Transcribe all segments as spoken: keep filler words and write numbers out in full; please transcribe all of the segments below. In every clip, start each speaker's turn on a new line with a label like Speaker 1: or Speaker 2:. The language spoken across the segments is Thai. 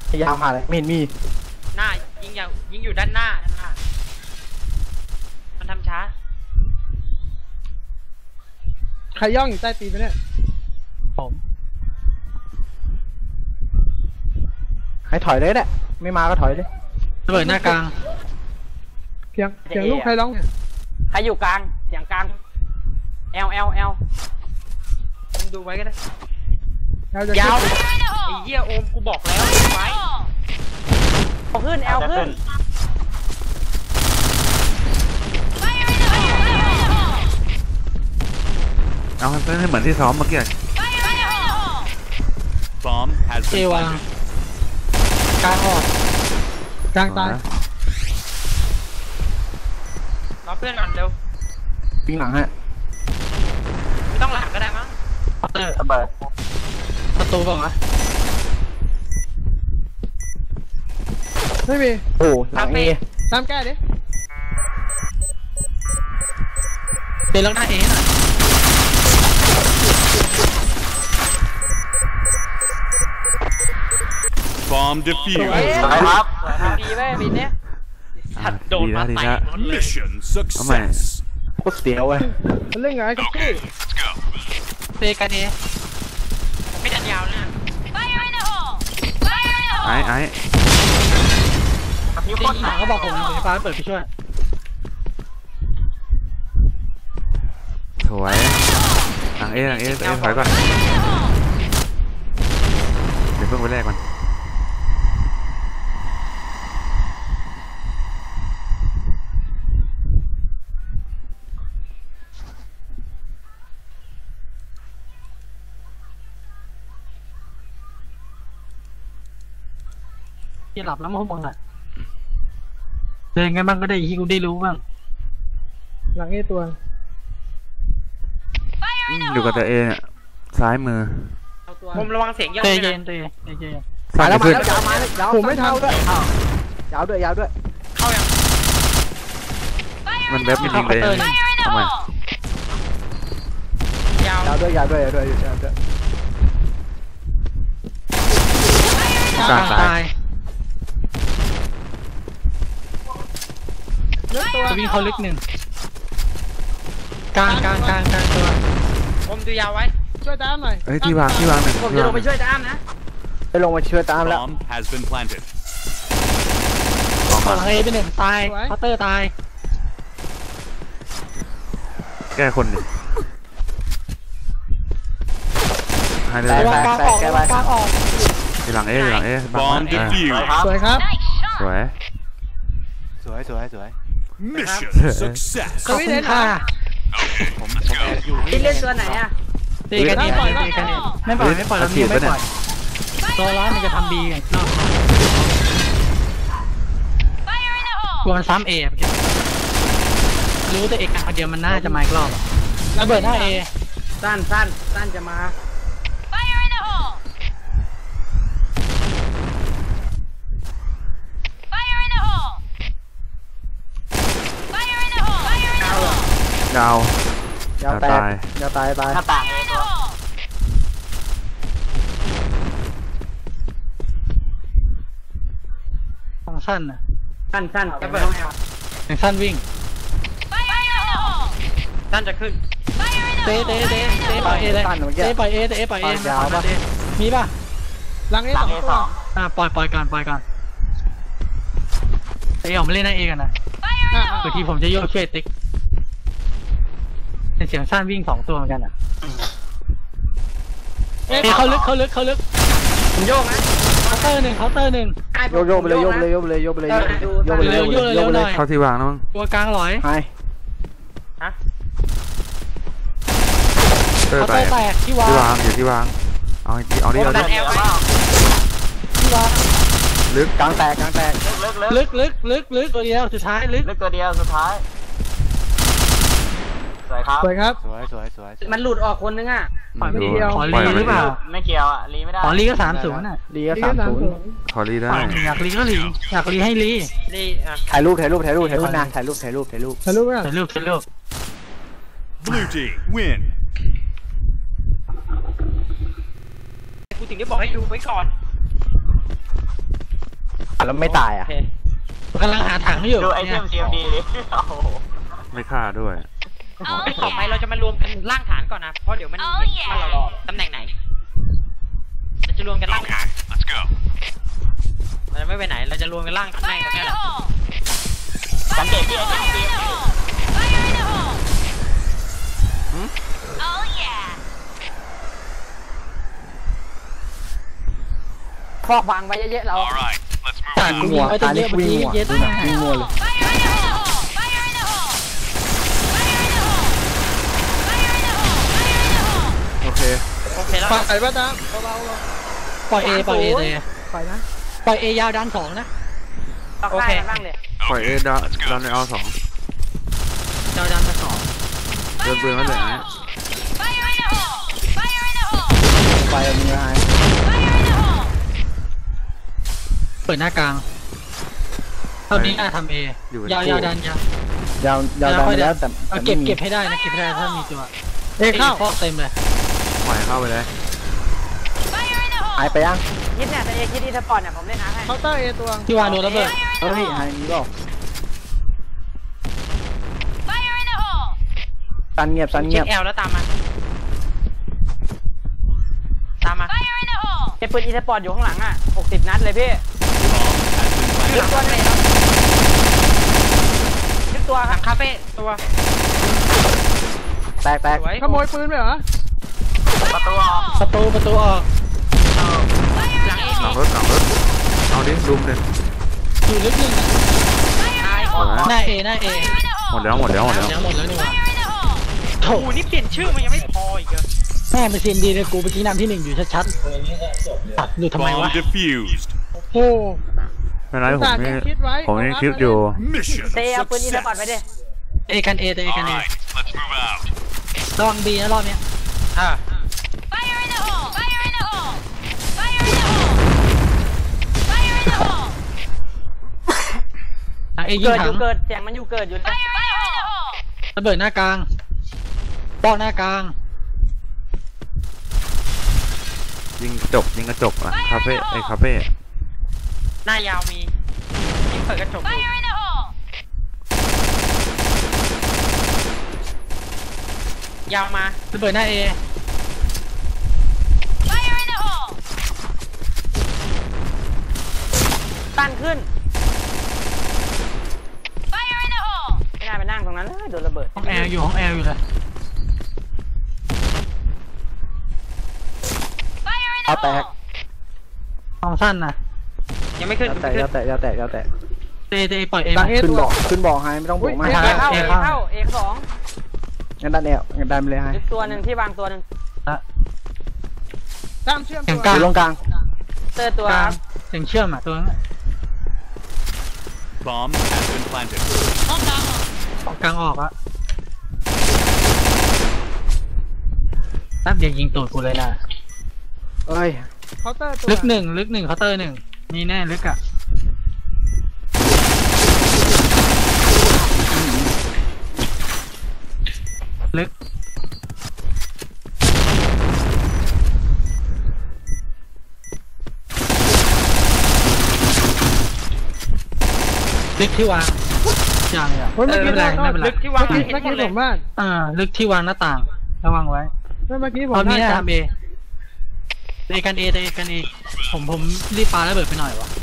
Speaker 1: พยายามหาอะไรไม่เห็นมี
Speaker 2: หน้ายิงอย่างยิงอยู่ด้านหน้าด้านหน้ามันทำช้า
Speaker 3: ใครย่องอยู่ใต้ตีนไปเนี่ย
Speaker 1: ผมให้ถอยเลยแหละไม่มาก็ถอยเลย
Speaker 4: ระเบิดหน้ากลาง
Speaker 3: เพียงเพียงลูกใครร้อง
Speaker 2: ใครอยู่กลางเสียงกลางเอลเอลเอลผมดูไว้ก็ได้ยาวไอ้เหี้ยโอมกูบอกแล้วไว้เอาขึ้นเอลขึ้น
Speaker 5: เอาให้ให้เหมือนที่ซ้อมเมื่อกี้
Speaker 4: เอวางกลางออก
Speaker 3: กลางตาย
Speaker 2: รอเพื่อนก่อนเร็ว
Speaker 1: ปิ้งหลังฮะ
Speaker 2: ไม่ต้องหลังก็ได้มั้ง
Speaker 4: เออระเบิดประตูบอกนะ
Speaker 3: ไม่มี
Speaker 1: โอ้หลังเอ
Speaker 3: ตามแก้ดิ
Speaker 4: เดินลังหน้าเอหน่อย
Speaker 6: บอมเดฟิว
Speaker 2: ครับดีไหมบินเนี้ยสัตว์โดนมาไต่
Speaker 6: มิชชั่นสักเซส
Speaker 1: โคตรเสียวเว้ย
Speaker 3: เล่นไงกับพี่
Speaker 4: เตะกันเอ
Speaker 2: ไม่ดันยาวนะ
Speaker 5: ไอ้ไอ้
Speaker 4: พี่คนหาเขาบอกผมผมจะฟ้าเปิดพี่ช่วย
Speaker 5: สวยหลังเอหลังเอเอถอยก่อนเดี๋ยวเพิ่งไปแรกมัน
Speaker 4: ที่หลับแล้วมั้งมึงอ่ะเดินไงบ้างก็ได้ที่กูได้รู้บ้าง
Speaker 3: หลังเอตัว
Speaker 5: อยู่กับตัวเอเนี่ยซ้ายมือ
Speaker 2: ผมระวังเสียงย่อ
Speaker 4: เตยเย็นเตยเย็น
Speaker 1: มาแล้วมาแล้วยาวมาแล้วยาว
Speaker 3: ผมไม่เท่าด้วย
Speaker 1: ยาวด้วยยาวด้วย
Speaker 2: เข้ายัง
Speaker 5: มันแบบไม่ยิงเลยทำไม
Speaker 2: ยาวย
Speaker 1: าวด้วยยาวด้วยยาวด้วยยาวด้วย
Speaker 4: กลางตายตัววิ่งเขาลึกหนึ่งกลางกลางกลางกลางตัว
Speaker 2: ผมดูยาวไว้
Speaker 3: ช่วยตามหน่อย
Speaker 5: เฮ้ยที่วางที่วางหนึ่ง
Speaker 2: ผมจะลงไปช่วยตามนะ
Speaker 1: ไปลงมาช่วยตามแล้ว
Speaker 4: ขอให้เป็นหนึ่งตายพัตเตอร์ตาย
Speaker 5: แก้คนดิให้เลย
Speaker 1: แตกแตกแก้ไป
Speaker 5: ที่หลังเอที่หลังเอบอมเดฟิว
Speaker 3: สวยครับ
Speaker 5: สวย
Speaker 1: สวยสวยสวย
Speaker 6: มิชชั่นสักเซส
Speaker 4: ก็ไม่ได้ค่ะ
Speaker 1: ผมผมแอบอยู่
Speaker 2: ที่เล่นตัวไหนอ่ะ
Speaker 4: ตีกันเองตีกันเองไม่ปล่อยไม่ปล่อยแล้วมีไม่ปล่อยตัวร้อนมันจะทำบีไงนอกกลัวมันซ้ำเอรู้แต่เอกคนเดียวมันน่าจะมาอีกรอบระเบิดหน้าเอ
Speaker 2: สั้นสั้นสั้นจะมา
Speaker 5: ดาวย
Speaker 1: าวแตกยาวตายตาย
Speaker 2: หน้าต่างเลยตัว
Speaker 4: ฟังสั้นนะ
Speaker 2: สั้นสั้นจะเปิด
Speaker 4: ยังสั้นวิ่ง
Speaker 2: สั้นจะขึ้น
Speaker 4: เตะเตะเตะเตะปล่อยเอเลยเตะปล่อยเอเตะปล่อยเอยาวป่ะมีป่ะ
Speaker 3: หลังเอสองตัว
Speaker 4: อ่าปล่อยปล่อยก่อนปล่อยก่อนเอออกมาเล่นในเอกันนะบางทีผมจะโยกช่วยติ๊กเป็นเสียงสั้นวิ่งสองตัวเหมือนกันอ่ะเอ้เขาลึกเขาลึกเขาลึก
Speaker 2: ผมโยกนะ
Speaker 4: เคาน์เตอร์หนึ่งเคาน์เตอร์หนึ่ง
Speaker 1: โยกโยกไปเลยโยกไปเลยโยกไปเลยโยกไปเลยโยกไปเลยโยกไปเลยโยกไปเลย
Speaker 5: เข้าที่วางน้อง
Speaker 4: ตัวกลางลอย
Speaker 1: ไป
Speaker 2: ฮะ
Speaker 4: เคาน์เตอร์แตกที่วาง
Speaker 5: ที่วางอยู่ที่วางเอาดิเอาดิเอาดิ
Speaker 4: ที่วาง
Speaker 5: ลึก
Speaker 1: กลางแตกกลางแตก
Speaker 4: ลึกลึกลึกลึกตัวเดียวสุดท้ายลึก
Speaker 2: ลึกตัวเดียวสุดท้ายสวยครับ
Speaker 3: สวยครับ
Speaker 1: สวยสวยสวย
Speaker 2: มันหลุดออกคนนึงอ่ะ
Speaker 4: ขอรีขอรีหรือเปล่า
Speaker 2: ไม่เกี่ยวอ่ะรีไม่ได้
Speaker 4: ขอรีก็สามศูนย์อ่ะ
Speaker 1: รีก็สามศูนย์
Speaker 5: ขอรีได้
Speaker 4: อยากรีก็รีอยากรีให้รี
Speaker 2: รี
Speaker 1: ถ่ายรูปถ่ายรูปถ่ายรูปถ่ายรูปนะถ่ายรูปถ่ายรูปถ่ายรูป
Speaker 3: ถ่ายรูป
Speaker 4: ถ่ายรูปถ่ายรูป
Speaker 6: Blue team win
Speaker 2: กูถึงได้บอกให้ดูไว้ก่อน
Speaker 1: แล้วไม่ตาย
Speaker 2: โอ
Speaker 1: อ่ะ
Speaker 2: เค
Speaker 4: กำลังหาถังอยู่
Speaker 7: ดูไอเท
Speaker 4: เนี่ย
Speaker 7: มเซียมดีเลยโอ้โห
Speaker 5: ไม่ฆ่าด้วย
Speaker 2: ต่อไปเราจะมารวมกันล่างฐานก่อนนะเพราะเดี๋ยวมันเห็นว่าเราตำแหน่งไหนเราจะรวมกันล่างฐาน
Speaker 6: Let's go.
Speaker 2: เราจะไม่ไปไหนเราจะรวมกันล่างตำแหน่งตรงนี้แหละ
Speaker 7: สังเกตที่ไอเทมเซียมดี
Speaker 2: ฟอกวางไว้เยอะๆเรา
Speaker 6: All right, let's move
Speaker 4: ตา
Speaker 6: out.
Speaker 4: กูยิงไว้ตั้งเยอะเมื่อกี้เย็ด
Speaker 1: ดู
Speaker 4: มา
Speaker 1: นะวิ่งมัวเลย
Speaker 5: โอเค
Speaker 2: โอเคแล้ว
Speaker 3: ปล่อยป่ะตามเบาๆลง
Speaker 4: ปล่อยเอปล่อยเอเลย
Speaker 3: ปล่อยนะ
Speaker 4: ปล่อยเอยาวด้านสองนะ
Speaker 2: โอเคบ้างเลย
Speaker 5: ปล่อยเอดาดันในเอาสอง
Speaker 4: ยาวด้านสอง
Speaker 5: เดินปืนมาเลยนะ
Speaker 1: ไปมีอะไร
Speaker 4: เปิดหน้ากลางเท่านี้น่าทำเอ
Speaker 5: อยู่
Speaker 4: ยาวยาวด้านยาวย
Speaker 1: าวยาวดันไปแล้วแต่
Speaker 4: เอาเก็บเก็บให้ได้นะเก็บให้ได้ถ้ามีตัว
Speaker 3: เอยเข้า
Speaker 4: ฟอกเต็มเลย
Speaker 5: ปล่อยเข้าไปเลย
Speaker 1: หายไปยัง
Speaker 2: คิดเนี่ยแต่เอคิดอีสปอร์ตเนี่ยผมเล่นอาร์ให้
Speaker 3: เคาน์เตอร์เอตัว
Speaker 4: ที่วางโดนระเบิด
Speaker 1: เฮ้ยหายนี้ก็สันเงียบสันเงี
Speaker 2: เช็
Speaker 1: ยบ
Speaker 2: คแอลแล้วตามมาตามมาเก็บปืนอีสปอร์ตอยู่ข้างหลังอ่ะหกสิบนัดเลยพี่ยึดตัวไหนครับยึดตัวหลังคาเฟ่ตัว
Speaker 1: แตกแตก
Speaker 2: สวย
Speaker 3: ขโมยปืนไปเหรอ
Speaker 7: ประตูออก
Speaker 4: ประตูประตูออก
Speaker 2: หลังเอ
Speaker 5: หลั
Speaker 2: มี
Speaker 5: งรถหลังรถเอาดิรุมเลย
Speaker 4: อยู่ลึกหนึ่งอะ
Speaker 2: ตาย
Speaker 5: หมดแล้ว
Speaker 4: หน้าเอหน้าเอ
Speaker 5: หมดแล้วหมดแล้วหมดแล้ว
Speaker 4: หมดแล้วนี่หว่า
Speaker 2: โอ้โหนี่เปลี่ยนชื่อมันยังไม่พออีกเหรอ
Speaker 4: แม่เป็นซีมดีเลยกูเมื่อกี้นำที่หนึ่งอยู่ชัดๆตัดอยู่ทำไมวะ
Speaker 6: Bomb defused.
Speaker 3: โอ้
Speaker 5: ไม่เป็นไรผมนี่
Speaker 3: คิดไว้
Speaker 5: ผมนี่คลิปอยู่
Speaker 6: Mission
Speaker 2: เตะเอาปืนอีสปอร์ตไปดิ
Speaker 6: success.
Speaker 4: เอกันเอแต่เอกัน
Speaker 6: All
Speaker 4: เอ
Speaker 6: right, let's move out.
Speaker 4: ระวังบีนะรอบเนี้ย
Speaker 2: อ่า
Speaker 4: ทางเอยิง
Speaker 2: เกิด
Speaker 4: ถั
Speaker 2: อง ยู่เกิดเสียงมันอยู่เกิดอยู่นะ
Speaker 4: ระเบิดหน้ากลางปอกหน้ากลาง
Speaker 5: ยิงกระจกยิงกระจกอ่ะคาเฟ่ไอ้คาเฟ่
Speaker 2: หน้ายาวมียิ่งเปิดกระจกอยู่ยาวมา
Speaker 4: ระเบิดหน้าเอ
Speaker 2: ตั้นขึ้นไม่ได้ไปนั่งตรงนั้นเลยโดนระเบิด
Speaker 4: ห้องแอร์อยู่ห้องแอร์อยู่เลย
Speaker 1: เอาแตก
Speaker 4: ห้องสั้นนะ
Speaker 2: ยังไม่ขึ้น
Speaker 1: ยาวแตกยาวแตกยาวแตกยาวแตก
Speaker 4: เตเตปล่อยเอ
Speaker 3: หลั
Speaker 4: มาง
Speaker 3: เอ
Speaker 1: ขึ้น
Speaker 3: ตัว
Speaker 1: บอกขึ้นบอกหายไม่ต้องบอกมา
Speaker 2: เอ
Speaker 1: หา
Speaker 2: เข้า
Speaker 4: เอ
Speaker 2: เอ
Speaker 4: เข้า
Speaker 2: เข้าเอสอง
Speaker 1: งั้นดันแอวงั้นดันไปเลยหาย
Speaker 2: อีกตัวหนึ่งที่วางตัวหนึ่ง
Speaker 4: ละ
Speaker 3: ตามเชื่อม
Speaker 4: อย่า
Speaker 3: ตั
Speaker 4: ง
Speaker 3: ว
Speaker 4: กลาง
Speaker 1: อยู่ตรงกลาง
Speaker 2: เตอร์ตัว
Speaker 4: กลางถึงเชื่อมอ่ะตัวนั้น
Speaker 6: Bomb has been planted.
Speaker 4: กลางออกอะแป๊บเดียวยิงตูดกูเลยนะ
Speaker 1: เอ้ย
Speaker 3: เคาน์เตอร์ตัว
Speaker 4: ลึกหนึ่งลึกหนึ่งเคาน์เตอร์หนึ่งมีแน่ลึกอะลึกลึกที่วางอย่างเนี่ย
Speaker 3: เฮ้ย
Speaker 4: ไม่
Speaker 3: เมื่อ
Speaker 4: เป็น
Speaker 3: กี้
Speaker 4: ไรไม่เป็นไร
Speaker 2: ลึกที่วาง
Speaker 3: เมื่อ
Speaker 2: เห็
Speaker 3: กี้
Speaker 2: น
Speaker 3: เมื่อ
Speaker 2: หมดเลย
Speaker 3: กี้ผมว่า
Speaker 4: อ่าลึกที่วางหน้าต่างระวังไว้
Speaker 3: เมื่อกี้ผม
Speaker 4: ตอนนี้
Speaker 3: ได้
Speaker 4: นะ
Speaker 3: ค
Speaker 4: ค
Speaker 3: รั
Speaker 4: รับ บเอเอกันเอเอกันเอผมผมรีบปาระเบิดไปหน่อยวะ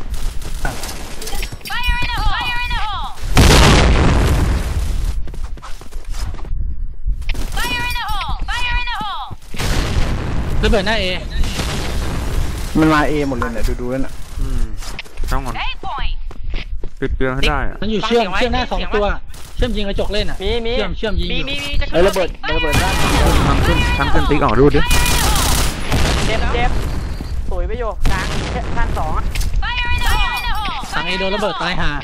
Speaker 4: ระเบิดหน้าเอ
Speaker 1: มันมาเอหมดเลยเนี่ยดูดูแล้วน่ะ
Speaker 5: อืมต้องมันปิดเกลือให้ได้อะ
Speaker 4: มันอยู่เชื่อมเชื่อมหน้าสองตัว เชื่อมยิงกระจกเล่นอ่ะ
Speaker 2: มีมี
Speaker 4: เชื่อมเชื่อมยิงอ
Speaker 2: มี
Speaker 4: ยู่
Speaker 2: มีมีจะ
Speaker 1: เอ้
Speaker 2: ขึ้
Speaker 1: ย
Speaker 2: น
Speaker 1: ระเบิดระเบิดด้าน
Speaker 5: ทำขึ้นทำขึ้นติ๊กออกดูดิ
Speaker 2: เจ็บเจ็บสวยไปโยกลางชั้นสอง
Speaker 4: สั่งเอโดนระเบิดตายหา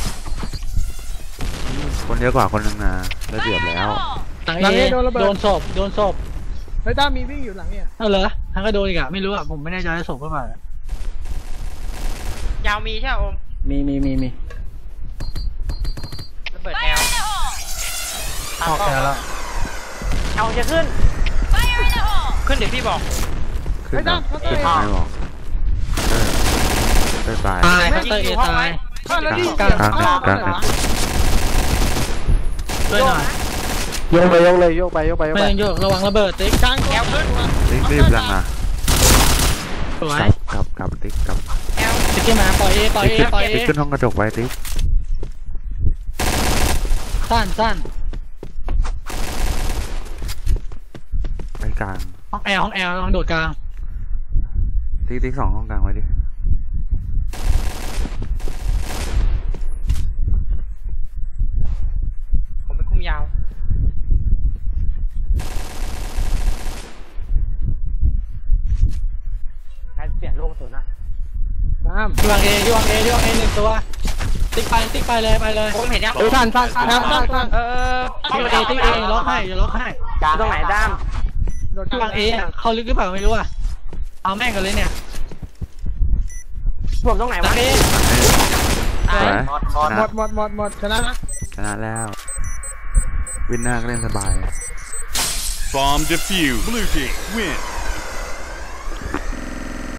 Speaker 5: คนเยอะกว่าคนหนึ่งนะได้เปรียบแล้ว
Speaker 4: สั่งเอโดนศพโดนศพ
Speaker 3: เฮ้ยตามมีวิ่งอยู่หลังเนี่ย
Speaker 4: เอาเหรอทั้งก็โดนอีกอะไม่รู้อะผมไม่แน่ใจว่าศพเพื่อเปล่าย
Speaker 2: าวมีใช่ไหมโอม
Speaker 1: มีมีมีมี
Speaker 2: ระเบิดแอล
Speaker 4: ออกแล้วแล้ว
Speaker 2: เอาจะขึ้นขึ้นเดี๋ยวพี่บอก
Speaker 5: ขึ้นนะขึ้นไหนบอกเออเออตาย
Speaker 4: ตายเคาน์เตอร์เอตาย
Speaker 3: อ้าวแล้วนี่
Speaker 4: กลาง
Speaker 3: เสียง
Speaker 5: กลาง
Speaker 3: ข้างนอก
Speaker 5: กลาง
Speaker 3: เหรอ
Speaker 4: ช่วยหน่อย
Speaker 1: โยกไปโยกเลยโยกไปโยกไปโยก
Speaker 4: ไม่
Speaker 1: ไป
Speaker 4: ต้องโยกระวังระเบิดติ๊ก
Speaker 3: กลางแอลขึ้น
Speaker 5: ติ๊กรีบยังอ่ะ
Speaker 4: สวย
Speaker 5: กลับกลับติ๊กกลับ
Speaker 4: ติ๊กขึ้นมาปล่อยเอปล่อย
Speaker 5: ติ๊ก
Speaker 4: เอปล่อยเอ
Speaker 5: ติ๊กขึ้นห้องกระจกไว้ติ๊ก
Speaker 4: สั้นสั้น
Speaker 5: ไปกลาง
Speaker 4: ห้องแอลห้องแอลลองโดดกลาง
Speaker 5: ติ๊กติ๊กสองห้องกลางไว้ดิ
Speaker 2: ผมเป็นคุ้มยาวใครเปลี่ยนลูกกระสุนนะ
Speaker 3: ตาม
Speaker 4: ที่วางเอที่วางเอที่วางเอหนึ่งตัวติ๊กไปติ๊กไปเลยไปเลย
Speaker 2: ผมเห็นยัง
Speaker 1: เฮ้ยท่านท่านท่าน
Speaker 3: ตามตามตาม
Speaker 2: เออ
Speaker 4: ติ๊กเอติ๊กเอล็อกให้อย่าล็อกให้
Speaker 2: ตรงไหนด้าม
Speaker 3: โดด
Speaker 4: ที่วางเออ่ะเข้าลึกหรือเปล่าไม่รู้อ่ะเอาแม่งกันเลยเนี่ย
Speaker 2: ผมตรงไหน
Speaker 4: หลั
Speaker 2: วะ
Speaker 4: งเอ
Speaker 5: สวย
Speaker 7: หมดหมด
Speaker 5: ช
Speaker 3: หม
Speaker 5: นะ
Speaker 3: ดหมดหมดหมดชนะนะ
Speaker 5: ชนะแล้ว วินหน้าก็เล่นสบาย
Speaker 6: Bomb defused. Blue team win.